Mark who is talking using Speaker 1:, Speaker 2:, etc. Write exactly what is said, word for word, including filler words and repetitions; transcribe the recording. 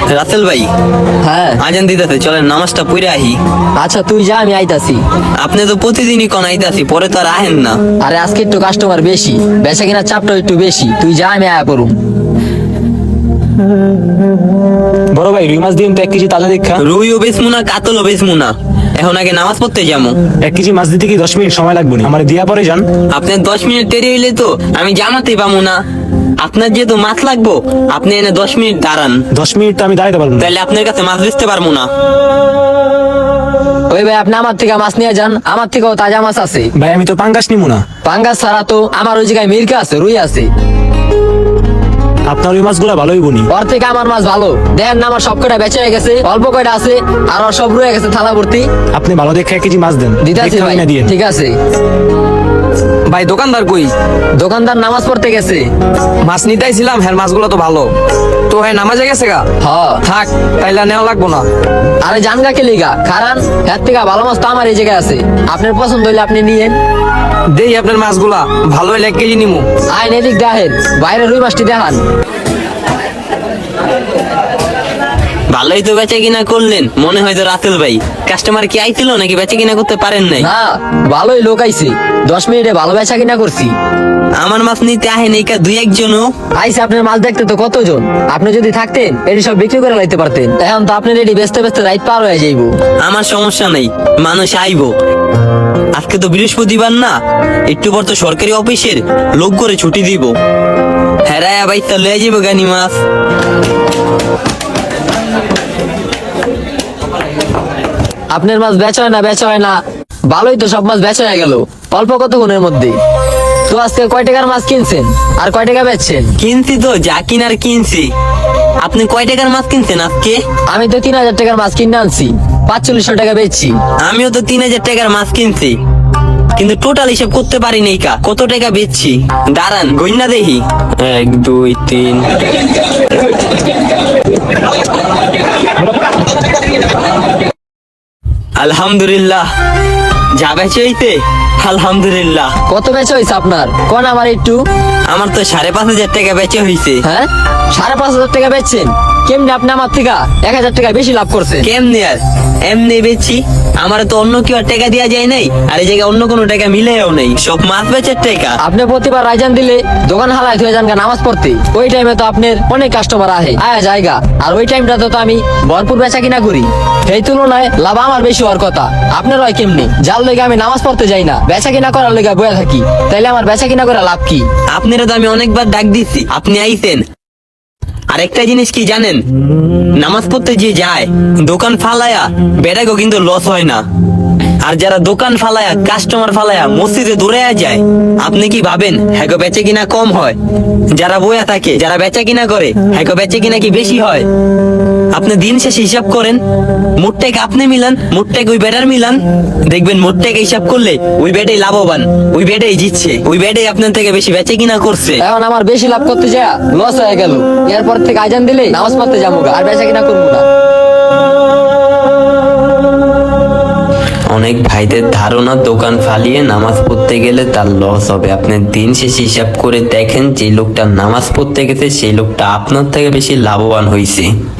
Speaker 1: রাসেল ভাই,
Speaker 2: হ্যাঁ
Speaker 1: আজান দিতেছে, চলেন নামাজটা পড়ে আহি।
Speaker 2: আচ্ছা তুই যা, আমি আইতাছি।
Speaker 1: আপনি তো প্রতিদিনই কোন আইতাছি, পরে তো আর আহেন না।
Speaker 2: আরে আজকে একটু কাস্টমার বেশি, বেচা কিনা চাপটা একটু বেশি, তুই যা, আমি আয়া করুম।
Speaker 3: বড় ভাই রুই মাছ দিন তো এক কেজি তাজা দেখা।
Speaker 1: রুইও বেচমু না, কাতলও বেচমু না, এখন আগে নামাজ পড়তে যাবো।
Speaker 3: এক কেজি মাছ দিতে কি দশ মিনিট সময় লাগবে না? আমার দিয়া পরে যান।
Speaker 1: আপনার দশ মিনিট দেরি হইলে তো আমি জামাতে পাবো না। আপনার যেহেতু মাছ লাগবো, আপনি এনে দশ মিনিট দাঁড়ান,
Speaker 3: দশ মিনিট তো আমি দাঁড়াতে পারবো না।
Speaker 1: তাহলে আপনার কাছে মাছ বেচতে পারবো না।
Speaker 2: ওই ভাই, আপনি আমার থেকে মাছ নিয়ে যান, আমার থেকেও তাজা মাছ আছে।
Speaker 3: ভাই আমি তো পাঙ্গাস নিবো না।
Speaker 2: পাঙ্গাস ছাড়া তো আমার ওই জায়গায় মির্কা আছে, রুই আছে।
Speaker 3: আপনার ওই মাছগুলো ভালোই বনি।
Speaker 2: ওর থেকে আমার মাছ ভালো। দেখেন না, আমার সব কয়টা বেচা হয়ে গেছে, অল্প কয়টা আছে, আর ওর সব রয়ে গেছে থালা ভর্তি।
Speaker 3: আপনি ভালো দেখে এক কেজি মাছ দেন।
Speaker 2: দিতাছি
Speaker 3: দেখে
Speaker 2: ভাই,
Speaker 3: কিনা দিয়েন।
Speaker 2: ঠিক আছে।
Speaker 4: ভাই দোকানদার কই?
Speaker 2: দোকানদার নামাজ পড়তে গেছে।
Speaker 4: মাছ নিতেছিলাম, হ্যাঁ মাছগুলো তো ভালো। তো হ্যাঁ নামাজে গেছে গা?
Speaker 2: হ
Speaker 4: থাক, তাইলে নেওয়া লাগবো না।
Speaker 2: আরে জানগা কে লিগা, কারণ এর থেকে ভালো মাছ তো আমার এই জায়গায় আছে। আপনার পছন্দ হইলে আপনি নিয়েন।
Speaker 4: দেই আপনার মাছগুলা ভালো হইলে এক কেজি নিমু।
Speaker 2: আইন এদিক দেখেন, বাইরে রুই মাছটি দেখান।
Speaker 1: ভালোই তো বেচা কিনা করলেন, মনে হয় তো রাসেল ভাই। কাস্টমার কি আইছিল নাকি বেচা কিনা করতে পারেন নাই?
Speaker 2: না, ভালোই লোক আইছে, দশ মিনিটে ভালো বেচা কিনা করছি।
Speaker 1: আমার মাছ নিতে আহেন এই কা দুই একজনও।
Speaker 2: আইসে আপনার মাছ দেখতে তো কতজন। আপনি যদি থাকতেন এটি সব বিক্রি করে লাইতে পারতেন। এখন তো আপনার এটি বেচতে বেচতে রাইত পার হয়ে যাইব।
Speaker 1: আমার সমস্যা নেই, মানুষ আইবো। আজকে তো বৃহস্পতিবার না, একটু পর তো সরকারি অফিসের লোক করে ছুটি দিব। হেরায়া ভাই তো লয়ে যাবো গানি মাছ।
Speaker 2: আপনার মাছ বেচা হয় না, বেচা হয় না, ভালোই তো সব মাছ বেচা হয়ে গেল অল্প কতক্ষণের মধ্যে। তো আজকে কয় টাকার মাছ কিনছেন আর কয় টাকা বেচছেন?
Speaker 1: কিনছি তো যা কিনার কিনছি। আপনি কয় টাকার মাছ কিনছেন আজকে?
Speaker 2: আমি তো তিন হাজার টাকার মাছ কিনে আনছি, পাঁচচল্লিশশো টাকা বেচছি।
Speaker 1: আমিও তো তিন হাজার টাকার মাছ কিনছি, কিন্তু টোটাল হিসাব করতে পারি নাই কা কত টাকা বেচছি। দাঁড়ান গইনা দেখি, এক দুই তিন। আলহামদুলিল্লাহ, যা বেচে হইতে আলহামদুলিল্লাহ।
Speaker 2: কত বেচা হয়েছে আপনার কোন আমার একটু?
Speaker 1: আমার তো সাড়ে পাঁচ হাজার টাকা বেচে হইছে।
Speaker 2: হ্যাঁ, সাড়ে পাঁচ হাজার টাকা বেচছেন? কেমনি আপনি আমার থেকে এক হাজার টাকা বেশি লাভ করছেন?
Speaker 1: কেমনে আর এমনি বেচছি, আমার তো অন্য কেউ আর টাকা দেওয়া যায় নাই, আর এই জায়গায় অন্য কোনো টাকা মিলেও নেই, সব মাছ বেচার টাকা।
Speaker 2: আপনি প্রতিবার রাইজান দিলে দোকান হালায় হয়ে যান গা নামাজ পড়তে। ওই টাইমে তো আপনার অনেক কাস্টমার আহে আয়া জায়গা, আর ওই টাইমটা তো আমি ভরপুর বেচা কিনা করি। সেই তুলনায় লাভ আমার বেশি হওয়ার কথা। আপনার হয় কেমনি? যার লেগে আমি নামাজ পড়তে যাই না, বেচা কিনা করার লেগে বয়ে থাকি, তাইলে আমার বেচা কিনা করে লাভ কি?
Speaker 1: আপনারা তো আমি অনেকবার ডাক দিচ্ছি, আপনি আইছেন। আর একটা জিনিস কি জানেন, নামাজ পড়তে যে যায় দোকান ফালায়া বেড়াগো কিন্তু লস হয় না। আর যারা দোকান ফালায়া কাস্টমার ফালায়া মসজিদে দৌড়ে যায়, আপনি কি ভাবেন হ্যাগো বেচে কিনা কম হয়? যারা বয়া থাকে, যারা বেচা কিনা করে, হ্যাগো বেচে কিনা কি বেশি হয়? আপনি দিন শেষে হিসাব করেন, মোটটেক আপনি মিলান, মোটটেক ওই বেটার মিলান, দেখবেন মোটটেক হিসাব করলে ওই বেটাই লাভবান, ওই বেটাই জিতছে, ওই বেটাই আপনার থেকে বেশি বেচে কিনা করছে।
Speaker 2: এখন আমার বেশি লাভ করতে যা লস হয়ে গেল। এরপর থেকে আজান দিলে নামাজ পড়তে যাবো গা, আর বেচা কিনা করবো না।
Speaker 1: অনেক ভাইদের ধারণা দোকান ফালিয়ে নামাজ পড়তে গেলে তার লস হবে। আপনি দিন শেষে হিসাব করে দেখেন, যে লোকটা নামাজ পড়তে গেছে সেই লোকটা আপনার থেকে বেশি লাভবান হয়েছে।